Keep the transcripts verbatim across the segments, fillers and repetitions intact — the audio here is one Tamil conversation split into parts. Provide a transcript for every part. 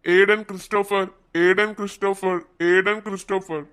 Aden Christopher, Aiden Christopher, Aiden Christopher.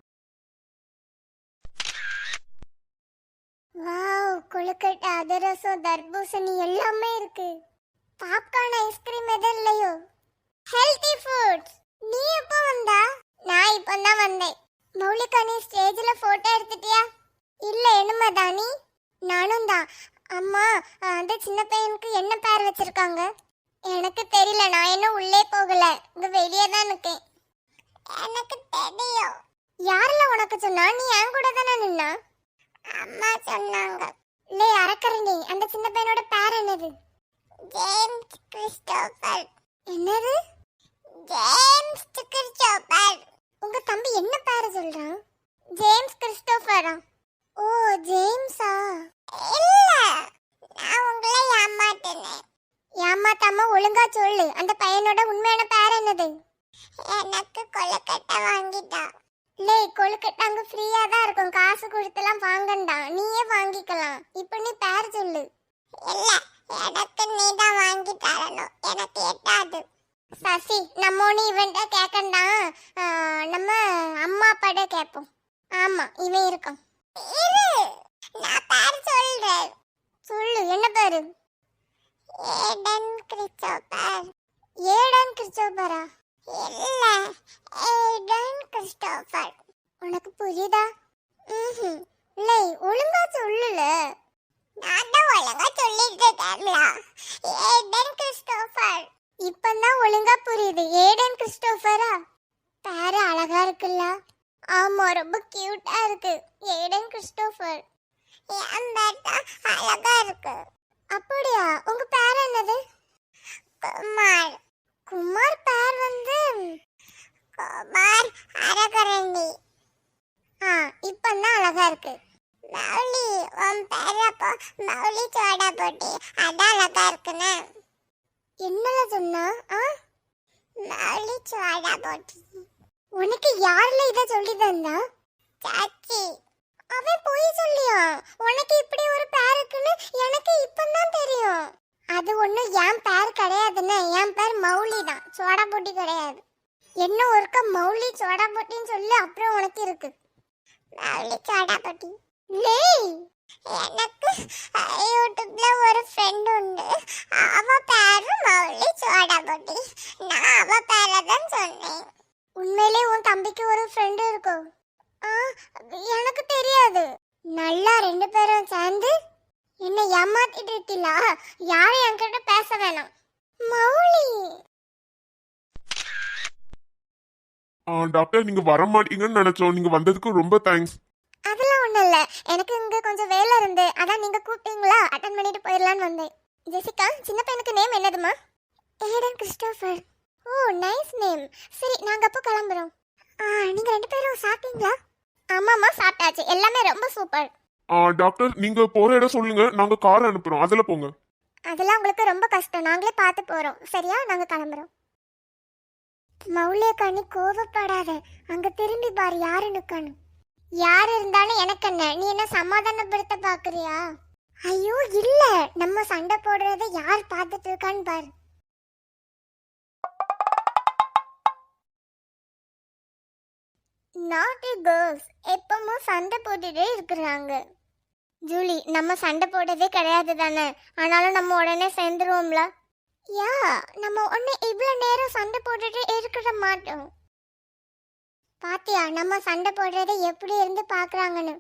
Wow, கொழுக்கட்டை, அதிரசம், தர்பூசணி எல்லாமே இருக்கு. பாப்கார்ன், ஐஸ்கிரீம் எதுவும் இல்லையோ? Healthy foods. நீ எப்போ வந்தா? நான் இப்போ தான் வந்தேன். மௌலிகா, நீ ஸ்டேஜ்ல போட்டோ எடுத்துட்டியா? இல்ல, என்னமாதானி? நானும் தான். அம்மா, அந்த சின்ன பையனுக்கு என்ன பேர் வச்சிருக்காங்க? எனக்கு தெரியல, நான் இன்னும் உள்ளே போகல, இங்க வெளியே தான் இருக்கேன். எனக்கு தெரியும். யாரெல்லாம் உனக்கு சொன்னா? நீ என் கூட தானே நின்னா? அம்மா சொன்னாங்க. லே அரக்கரணி, அந்த சின்ன பையனோட பேர் என்னது? James Christopher. என்னது? James Christopher. உங்க தம்பி என்ன பேர் சொல்றான்? ஜேம்ஸ் கிறிஸ்டோபரா? ஓ, ஜேம்ஸா? இல்ல, நான் உங்களை ஏமாத்தினேன். ஏமாத்தாம ஒழுங்கா சொல்லு, அந்த பையனோட உண்மையான பேர் என்னது? எனக்கு கொழுக்கட்டை வாங்கிட்டா. லே, கொழுக்கட்டை அங்க ஃப்ரீயா தான் இருக்கும், காசு கொடுத்துலாம் வாங்கண்டா, நீயே வாங்கிக்கலாம். இப்போ நீ பேர் சொல்லு. இல்ல, எனக்கு நீ தான் வாங்கி தரணும், எனக்கு எட்டாது. சசி, நம்ம ஒன்று இவன்ட்ட கேட்கண்டா, நம்ம அம்மா அப்பாட கேட்போம். ஆமா, இவன் இருக்கான். இரு, நான் பேர் சொல்றேன். சொல்லு, என்ன பேரு? Aiden Christopher. ஏடன் கிறிஸ்டோபரா? இல்ல, ஏடன் கிறிஸ்டோபர். உனக்கு புரியுதா? ம்ஹும். இல்லை, ஒழுங்கா சொல்லுல. நான் தான் ஒழுங்கா சொல்லிட்டு இருக்கேன்ல. Aiden Christopher. இப்பதான் ஒழுங்கா புரியுது. ஏடன் கிறிஸ்டோபரா? பேரு அழகா இருக்குல்ல? ஆமா, ரொம்ப கியூட்டா இருக்கு. Aiden Christopher. என் பேர் தான் அழகா இருக்கு. அப்படியா? உங்க பேர் என்னது? குமார். குமார் பேர் வந்து குமார் அரகரண்டி. ஆ, இப்பதான் அழகா இருக்கு. மௌலி, உன் பேர் அப்போ மௌலி சோடா போட்டி, அதான் அழகா இருக்குன்னு. என்னல சொன்னா? ஆ, மௌலி சோடா போட்டி. உனக்கு யாருல இத சொல்லி தந்தா? சாச்சி. அவன் போய் சொல்லியா? உனக்கு இப்படி ஒரு பேர் இருக்குன்னு எனக்கு இப்பதான் தெரியும். அது ஒண்ணு என் பேர் கிடையாதுன்னு. என் பேர் மௌலி தான், சோடா போட்டி கிடையாது. என்ன ஒருக்க மௌலி சோடா போட்டின்னு சொல்லி அப்புறம் உனக்கு இருக்கு மௌலி சோடா போட்டி. லே, எனக்கு யூடியூப்ல ஒரு ஃப்ரெண்ட் உண்டு, அவ பேரு மௌலி சோடா போட்டி. நான் அவ பேரை தான் சொன்னேன். உண்மையிலே உன் தம்பிக்கு ஒரு ஃப்ரெண்ட் இருக்கும்? எனக்கு தெரியாது. நல்லா ரெண்டு பேரும் சேர்ந்து என்ன ஏமாத்திட்டு இருக்கீங்களா? யாரும் என்கிட்ட பேச வேணாம். மௌலி. டாக்டர், நீங்க வர மாட்டீங்கன்னு நினைச்சோம், நீங்க வந்ததுக்கு ரொம்ப தேங்க்ஸ். அதெல்லாம் ஒண்ணும் இல்ல, எனக்கு இங்க கொஞ்சம் வேலை இருந்து அதான் நீங்க கூப்பிட்டீங்களா, அட்டன் பண்ணிட்டு போயிடலான்னு வந்தேன். ஜெசிகா, சின்ன பையனுக்கு நேம் என்னதுமா? Aiden Christopher. ஓ, நைஸ் நேம். சரி, நாங்க அப்போ கிளம்புறோம். நீங்க ரெண்டு பேரும் சாப்பிட்டீங்களா? ஆமாமா, சாப்பிட்டாச்சு. எல்லாமே ரொம்ப சூப்பர். டாக்டர், நீங்க போற இடம் சொல்லுங்க, நாங்க கார் அனுப்புறோம், அதுல போங்க. அதெல்லாம் உங்களுக்கு ரொம்ப கஷ்டம், நாங்களே பார்த்து போறோம். சரியா? நாங்க கிளம்புறோம். மௌலியக்கா, நீ கோவப்படாத, அங்க திரும்பி பாரு, யாரு நிக்கணும். யாரு இருந்தாலும் எனக்கு என்ன, நீ என்ன சமாதானப்படுத்த பாக்குறியா? ஐயோ இல்ல, நம்ம சண்டை போடுறத யார் பார்த்துட்டு இருக்கான்னு பாரு. நாட்டி கேர்ள்ஸ் எப்பவும் சண்டை போட்டுட்டே இருக்கிறாங்க. ஜூலி, நம்ம சண்டை போட்டதே கிடையாது தானே, ஆனாலும் நம்ம உடனே சேர்ந்துருவோம்ல. யா, நம்ம உடனே இவ்வளோ நேரம் சண்டை போட்டுட்டு இருக்கிற மாட்டோம். பாத்தியா, நம்ம சண்டை போடுறதை எப்படி இருந்து பாக்குறாங்கன்னு.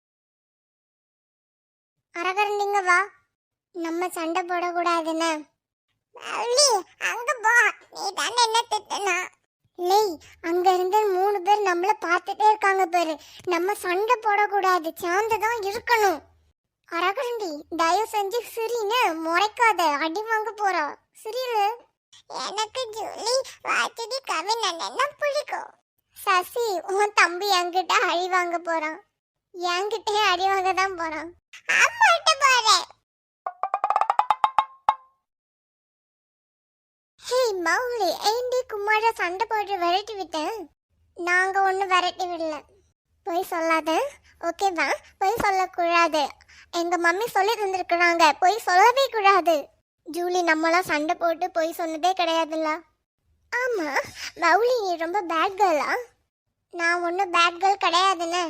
அரகரண்டிங்க வா, நம்ம சண்டை போடக்கூடாதுன்னு. அங்க போ, நீ தானே என்ன திட்டுனா? லேய், அங்க இருந்து மூணு பேர் நம்மள பார்த்துட்டே இருக்காங்க பாரு, நம்ம சண்டை போடக்கூடாது, சார்ந்துதான் இருக்கணும். அரகண்டி, தயவு செஞ்சு சிரின்னு முறைக்காத, அடி வாங்க போறா. சிரியில. எனக்கு ஜூலி வாத்திடி கவின் என்ன பிடிக்கும். சசி, உன் தம்பி என்கிட்ட அடி வாங்க போறான். என்கிட்டே அடி வாங்க தான் போறான். அம்மாட்ட பாரு. ஹே மௌலி, ஏண்டி குமார சண்டை போட்டு விரட்டி விட்டேன்? நாங்க ஒண்ணு விரட்டி விடல. போய் சொல்லாத, ஓகேவா? போய் சொல்லக்கூடாது. எங்க மம்மி சொல்லி தந்திருக்கிறாங்க, போய் சொல்லவே கூடாது. ஜூலி, நம்மளாம் சண்டை போட்டு போய் சொன்னதே கிடையாதுல்ல. ஆமா, மௌலி நீ ரொம்ப பேட் கேர்ளா? நான் ஒன்றும் பேட் கேர்ள் கிடையாதுன்னு.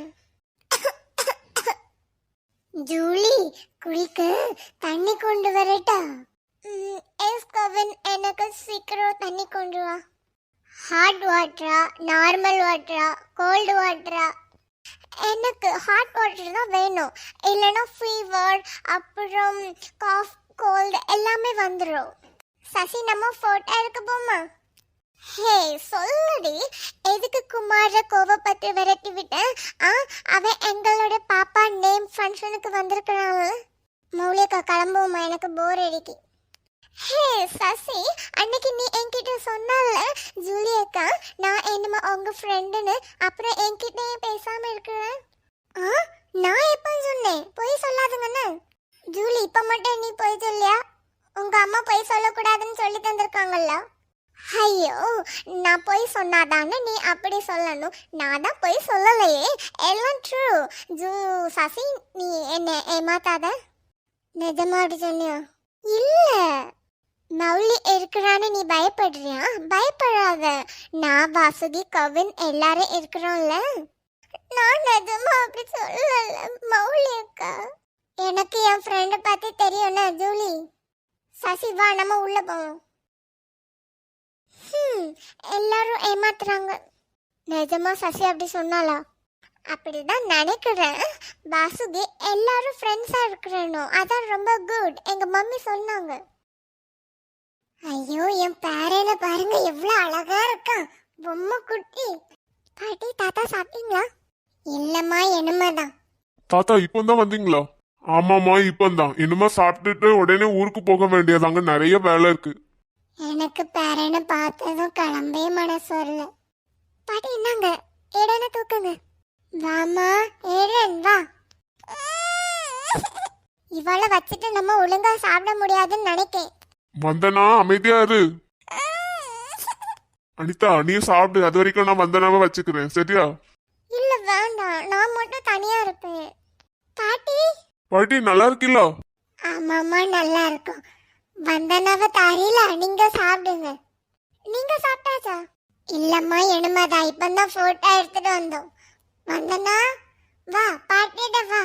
ஜூலி, குளிக்க தண்ணி கொண்டு வரட்டா? ம், எஸ் கவின், எனக்கு சீக்கிரம் தண்ணி கொண்டு வா. ஹாட் வாட்டரா, நார்மல் வாட்டரா, கோல்டு வாட்டரா? எனக்கு ஹாட் வாட்டர் தான் வேணும், இல்லைன்னா ஃபீவர் அப்புறம் காஃப் கோல்டு எல்லாமே வந்துடும். சசி, நம்ம ஃபோட்டோ எடுக்க போமா? ஹே சொல்லுடி, எதுக்கு குமார கோவப்பட்டு விரட்டி விட்டேன்? ஆ, அவன் எங்களோட பாப்பா நேம் ஃபங்க்ஷனுக்கு வந்திருக்கிறான்ல. மௌலிகா கிளம்புவோமா, எனக்கு போர் அடிக்கி. ஹே சசி, அன்னைக்கு நீ என்கிட்ட சொன்னால ஜூலியக்கா நான் என்னமா உங்க ஃப்ரெண்டுன்னு, அப்புறம் என்கிட்டயே பேசாம இருக்கிறேன். ஆ, நான் எப்ப சொன்னேன்? பொய் சொல்லாதுங்கன்னு. ஜூலி, இப்ப மட்டும் நீ பொய் சொல்லியா? உங்க அம்மா பொய் சொல்லக்கூடாதுன்னு சொல்லி தந்திருக்காங்கல்ல. ஐயோ, நான் பொய் சொன்னாதானே நீ அப்படி சொல்லணும். நான் தான் பொய் சொல்லலையே, எல்லாம் ட்ரூ. ஜூ சசி, நீ என்ன ஏமாத்தாத. நிஜமா அப்படி சொன்னியா? இல்ல, மௌலி இருக்கிறான்னு நீ பயப்படுறியா? பயப்படாத, நான் வாசுகி கவின் எல்லாரும் இருக்கிறோம்ல. நான் நிஜமா அப்படி சொல்லல மௌலி அக்கா. எனக்கு என் ஃப்ரெண்டை பத்தி தெரியும்ல ஜூலி. சசி வா, நம்ம உள்ள போவோம். ஹம், எல்லாரும் ஏமாத்துறாங்க. நிஜமா சசி அப்படி சொன்னாலா? அப்படிதான் நினைக்கிறேன். வாசுகி எல்லாரும் ஃப்ரெண்ட்ஸா இருக்கிறேனோ, அதான் ரொம்ப குட், எங்க மம்மி சொன்னாங்க. ஐயோ, என் பேரனை பாருங்க எவ்வளவு அழகா இருக்கான், பொம்மை குட்டி. பாட்டி, தாத்தா சாப்பிட்டீங்களா? இல்லம்மா, என்னமாதான். தாத்தா இப்பதான் வந்தீங்களா? ஆமாமா, இப்பதான். இனிமே சாப்பிட்டுட்டு உடனே ஊருக்கு போக வேண்டியதாங்க, நிறைய வேலை இருக்கு. எனக்கு பேரனை பார்த்ததும் கிளம்பே மனசு வரல. பாட்டி என்னங்க, ஏடனை தூக்குங்க. வாமா ஏடன், வா. இவளை வச்சுட்டு நம்ம ஒழுங்கா சாப்பிட முடியாதுன்னு நினைக்கேன். வந்தனா அமைதியா இரு. அனிதா, நீ சாப்பிடு, அது வரைக்கும் நான் வந்தனாவை வச்சுக்கிறேன், சரியா? இல்ல வேண்டாம், நான் மட்டும் தனியா இருப்பேன். பாட்டி. பாட்டி நல்லா இருக்கீங்களா? ஆமாமா, நல்லா இருக்கும். வந்தனாவை தாரில, நீங்க சாப்பிடுங்க. நீங்க சாப்பிட்டாச்சா? இல்லம்மா, என்னமாதா இப்பதான் போட்டோ எடுத்துட்டு வந்தோம். வந்தனா வா, பாட்டிட வா.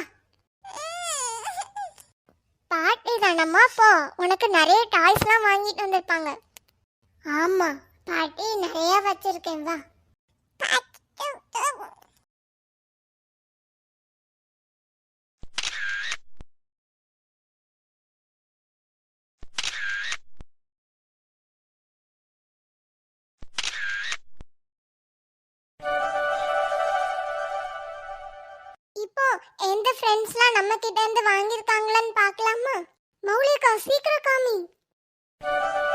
பாட்டி தானம்மா, போ, உனக்கு நிறைய டாய்ஸ்லாம் வாங்கிட்டு வந்திருப்பாங்க. ஆமா பாட்டி, நிறைய வச்சிருக்கேன், வா. இப்போ எந்த ஃப்ரெண்ட்ஸ்லாம் நம்ம கிட்ட இருந்து வாங்கியிருக்காங்களான்னு பார்க்கலாமா? மௌலிகா, சீக்கிரம் காமி.